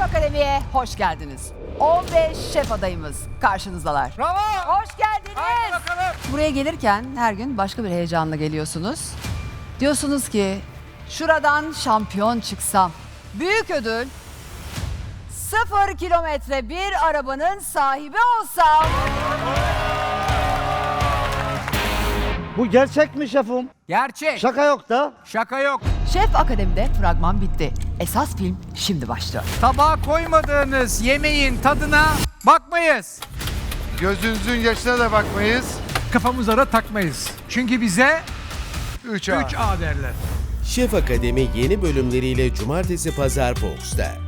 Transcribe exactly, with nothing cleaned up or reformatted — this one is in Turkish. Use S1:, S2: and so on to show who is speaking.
S1: Akademi'ye hoş geldiniz. on beş şef adayımız karşınızdalar.
S2: Bravo!
S1: Hoş
S2: Hadi
S1: geldiniz.
S2: bakalım.
S1: Buraya gelirken her gün başka bir heyecanla geliyorsunuz. Diyorsunuz ki şuradan şampiyon çıksam. Büyük ödül sıfır kilometre bir arabanın sahibi olsam.
S3: Bu gerçek mi şefim?
S2: Gerçek.
S3: Şaka yok da.
S2: Şaka yok.
S1: Şef Akademi'de fragman bitti. Esas film şimdi başlıyor.
S2: Tabağa koymadığınız yemeğin tadına bakmayız.
S4: Gözünüzün yaşına da bakmayız.
S2: Kafamıza da takmayız. Çünkü bize
S4: üç A.
S2: üç A derler.
S5: Şef Akademi yeni bölümleriyle Cumartesi Pazar Fox'ta.